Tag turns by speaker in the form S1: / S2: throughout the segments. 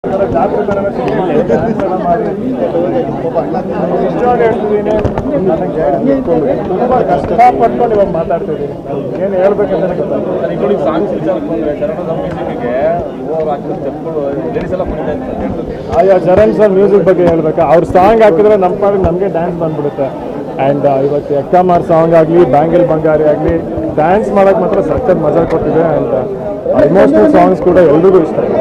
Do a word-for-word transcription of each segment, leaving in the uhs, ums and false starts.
S1: ತುಂಬಾ ಕಷ್ಟಪಟ್ಕೊಂಡು ಇವಾಗ ಮಾತಾಡ್ತಿದ್ದೀನಿ. ಏನು ಹೇಳ್ಬೇಕಂತ ಆಯಾ ಚರಣ್ ಸರ್ ಮ್ಯೂಸಿಕ್ ಬಗ್ಗೆ ಹೇಳ್ಬೇಕಾ, ಅವ್ರ ಸಾಂಗ್ ಹಾಕಿದ್ರೆ ನಮ್ಮ ಪಾಡಿಗೆ ನಮಗೆ ಡ್ಯಾನ್ಸ್ ಬಂದ್ಬಿಡುತ್ತೆ. ಆ್ಯಂಡ್ ಇವತ್ತು ಎಕ್ಕಮಾರ್ ಸಾಂಗ್ ಆಗಲಿ, ಬ್ಯಾಂಗಲ್ ಬಂಗಾರಿ ಆಗಲಿ, ಡ್ಯಾನ್ಸ್ ಮಾಡೋಕ್ಕೆ ಮಾತ್ರ ಸಖತ್ ಮಜಾ ಕೊಟ್ಟಿದೆ. ಆ್ಯಂಡ್ ಇಮೋಷನಲ್ ಸಾಂಗ್ಸ್ ಕೂಡ ಎಲ್ರಿಗೂ ಇಷ್ಟ ಇದೆ.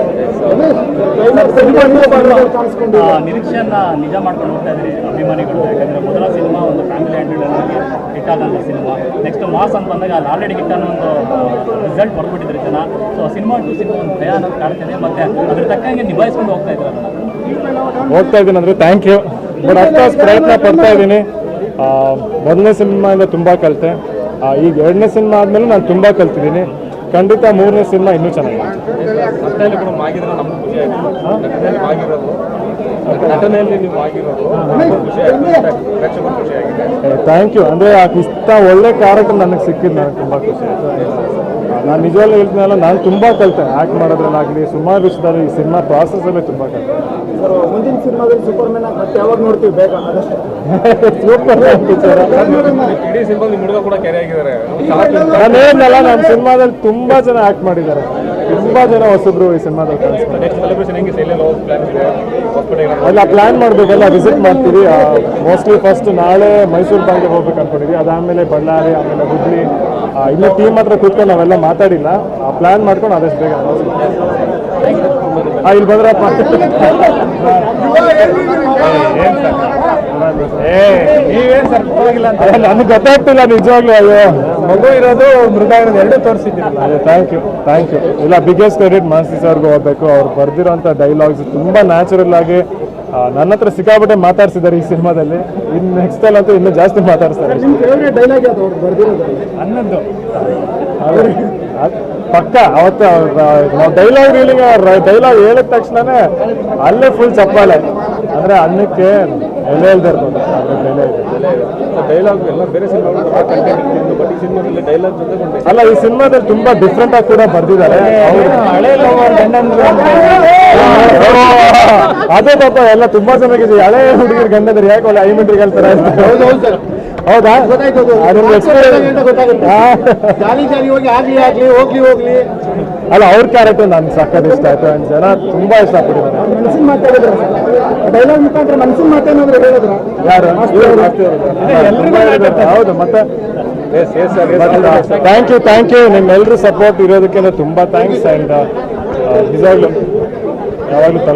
S2: ನಿರೀಕ್ಷೆಯನ್ನ ನಿಜ ಮಾಡ್ಕೊಂಡು ಹೋಗ್ತಾ ಇದ್ರಿ ಅಭಿಮಾನಿಗಳು. ಯಾಕಂದರೆ ಮೊದಲ ಸಿನಿಮಾ ಒಂದು ಫ್ಯಾಮಿಲಿ ಆ್ಯಂಡ್ ಹಿಟ್ ಆದಂಥ ಸಿನಿಮಾ. ನೆಕ್ಸ್ಟ್ ಮಾಸ್ ಅಂತ ಬಂದಾಗ ಅಲ್ಲಿ ಆಲ್ರೆಡಿ ಹಿಟ್ ಅನ್ನೋ ಒಂದು ರಿಸಲ್ಟ್ ಹೊರಬಿಟ್ಟಿದ್ರು ಜನ. ಸೊ ಸಿನಿಮಾ ಟು ಸಿನಿಮಾ ಒಂದು ಭಯ ಅನ್ನೋದು ಕಾಡ್ತಿದೆ. ಮತ್ತು ಅದ್ರ ತಕ್ಕಂಗೆ ನಿಭಾಯಿಸ್ಕೊಂಡು ಹೋಗ್ತಾ ಇದ್ದಾರೆ.
S1: ಹೋಗ್ತಾ ಇದ್ದೀನಿ ಅಂದರೆ ಥ್ಯಾಂಕ್ ಯು. ಬಟ್ ಅಫ್ಕೋರ್ಸ್ ಪ್ರಯತ್ನ ಪಡ್ತಾ ಇದ್ದೀನಿ. ಮೊದಲನೇ ಸಿನಿಮಾಯಿಂದ ತುಂಬ ಕಲಿತೆ. ಈಗ ಎರಡನೇ ಸಿನಿಮಾ ಆದಮೇಲೆ ನಾನು ತುಂಬ ಕಲ್ತಿದ್ದೀನಿ. ಖಂಡಿತ ಮೂರನೇ ಸಿನಿಮಾ ಇನ್ನೂ ಚೆನ್ನಾಗಿದೆ. Thank you. ಅಂದರೆ ಇಷ್ಟ ಒಳ್ಳೆ ಕ್ಯಾರೆಕ್ಟರ್ ನನಗೆ ಸಿಕ್ಕಿದ್ದು ನನಗೆ ತುಂಬ ಖುಷಿ ಆಯಿತು. ನಾನು ನಿಜವಾಗ್ಲೂ ಹೇಳ್ತೀನಲ್ಲ, ನಾನು ತುಂಬ ಕಲಿತೆ ಆ್ಯಕ್ಟ್ ಮಾಡೋದ್ರಲ್ಲಾಗಲಿ, ಸುಮಾರು ವಿಷಯದಲ್ಲಿ ಈ ಸಿನಿಮಾ ಪ್ರಾಸೆಸಲ್ಲೇ ತುಂಬ ಕಲಿತೆ.
S3: ಮುಂದಿನ ಸಿನಿಮಾದಲ್ಲಿ ಸೂಪರ್ ಮ್ಯಾನ್ ಮತ್ತೆ ಯಾವಾಗ ನೋಡ್ತೀವಿ ಬೇಗ ಅದಷ್ಟೇ.
S1: ಸೂಪರ್ ಮ್ಯಾನ್ ಪಿಕ್ಚರ್ ನಾನು ಏನಲ್ಲ, ನಮ್ಮ ಸಿನಿಮಾದಲ್ಲಿ ತುಂಬ ಜನ ಆ್ಯಕ್ಟ್ ಮಾಡಿದ್ದಾರೆ. ತುಂಬ ಜನ ಹೊಸಬ್ರು ಈ ಸಿನಿಮಾದಲ್ಲಿ ಕಾಣಿಸ್ತಾರೆ. ಎಲ್ಲ ಪ್ಲ್ಯಾನ್ ಮಾಡಬೇಕಲ್ಲ, ವಿಸಿಟ್ ಮಾಡ್ತೀವಿ. ಮೋಸ್ಟ್ಲಿ ಫಸ್ಟ್ ನಾಳೆ ಮೈಸೂರು ಬ್ಯಾಂಕ್ಗೆ ಹೋಗ್ಬೇಕು ಅಂದ್ಕೊಂಡಿದ್ವಿ. ಅದಾದಮೇಲೆ ಬಳ್ಳಾರಿ, ಆಮೇಲೆ ಹುಬ್ಳಿ. ಇನ್ನೂ ಟೀಮ್ ಹತ್ರ ಕೂತ್ಕೊಂಡು ನಾವೆಲ್ಲ ಮಾತಾಡಿಲ್ಲ. ಪ್ಲ್ಯಾನ್ ಮಾಡ್ಕೊಂಡು ಆದಷ್ಟು ಬೇಗ ಇಲ್ಲಿ ಬಂದ್ರಪ್ಪ.
S3: ನೀವೇನು ಸರ್ ಹೋಗಿಲ್ಲ ಅಂತ
S1: ನನಗೆ ಗೊತ್ತಾಗ್ತಿಲ್ಲ ನಿಜವಾಗ್ಲೂ. ಅಯ್ಯೋ,
S3: ಮಗು ಇರೋದು ಮೃಗ ಇರೋದು ಎರಡೂ ತೋರಿಸಿದ್ದೀರಲ್ಲ.
S1: ಅದೇ ಥ್ಯಾಂಕ್ ಯು ಥ್ಯಾಂಕ್ ಯು. ಇಲ್ಲ, ಬಿಗ್ಗೆಸ್ಟ್ ಕ್ರೆಡಿಟ್ ಮಾಸ್ತಿ ಸರ್ಗೂ ಹೋಗ್ಬೇಕು. ಅವ್ರು ಬರ್ದಿರೋಂಥ ಡೈಲಾಗ್ಸ್ ತುಂಬ ನ್ಯಾಚುರಲ್ ಆಗಿ ನನ್ನ ಹತ್ರ ಸಿಕ್ಕಾಬಿಟ್ಟೆ ಮಾತಾಡ್ಸಿದ್ದಾರೆ ಈ ಸಿನಿಮಾದಲ್ಲಿ. ಇನ್ನು ನೆಕ್ಸ್ಟ್ ಅಲ್ಲಿ ಅಂತೂ ಇನ್ನೂ ಜಾಸ್ತಿ ಮಾತಾಡ್ತಾರೆ.
S3: ಡೈಲಾಗ್ ಯಾವುದು ಅವ್ರು ಬರ್ದಿರೋದು?
S1: ಹನ್ನೊಂದು ಪಕ್ಕ. ಅವತ್ತು ನಾವು ಡೈಲಾಗ್ ರೀಲಿಂಗ್ ಡೈಲಾಗ್ ಹೇಳಿದ ತಕ್ಷಣನೇ ಅಲ್ಲೇ ಫುಲ್ ಚಪ್ಪಾಳೆ. ಅಂದರೆ ಅನ್ನಕ್ಕೆ ಎಲೆ ಇಲ್ದೇ ಇರ್ಬೋದು
S3: ಡೈಲಾಗ್ ಎಲ್ಲ ಬೇರೆ ಸಿನಿಮಾದಲ್ಲಿ ಡೈಲಾಗ್ ಜೊತೆ
S1: ಅಲ್ಲ, ಈ ಸಿನಿಮಾದಲ್ಲಿ ತುಂಬಾ ಡಿಫ್ರೆಂಟ್ ಆಗಿ ಕೂಡ ಬರ್ದಿದ್ದಾರೆ. ಅದೇ ಪಾಪ ಎಲ್ಲ ತುಂಬಾ ಚೆನ್ನಾಗಿದೆ. ಹಳೆ ಹುಡುಗಿರ್ ಗಂಡಂದ್ರೆ ಯಾಕೆ ಒಳ್ಳೆ ಐಮಿಂಟ್ರಿಗೆ ಹೇಳ್ತಾರೆ. ಹೌದಾ? ಅಲ್ಲ, ಅವ್ರ ಕ್ಯಾರೆಕ್ಟರ್ ನನ್ಗೆ ಸಕ್ಕತ್ ಇಷ್ಟ ಆಯ್ತು. ಅಂಡ್ ಜನ ತುಂಬಾ ಇಷ್ಟಪಟ್ಟಿದ್ದಾರೆ. ಯಾರು? ಹೌದು. ಮತ್ತೆ ಥ್ಯಾಂಕ್ ಯು ಥ್ಯಾಂಕ್ ಯು ನಿಮ್ಮೆಲ್ಲರೂ ಸಪೋರ್ಟ್ ಇರೋದಕ್ಕೆ ತುಂಬ ಥ್ಯಾಂಕ್ಸ್. ಆ್ಯಂಡ್ ನಿಜವಾಗ್ಲೂ ಯಾವಾಗಲೂ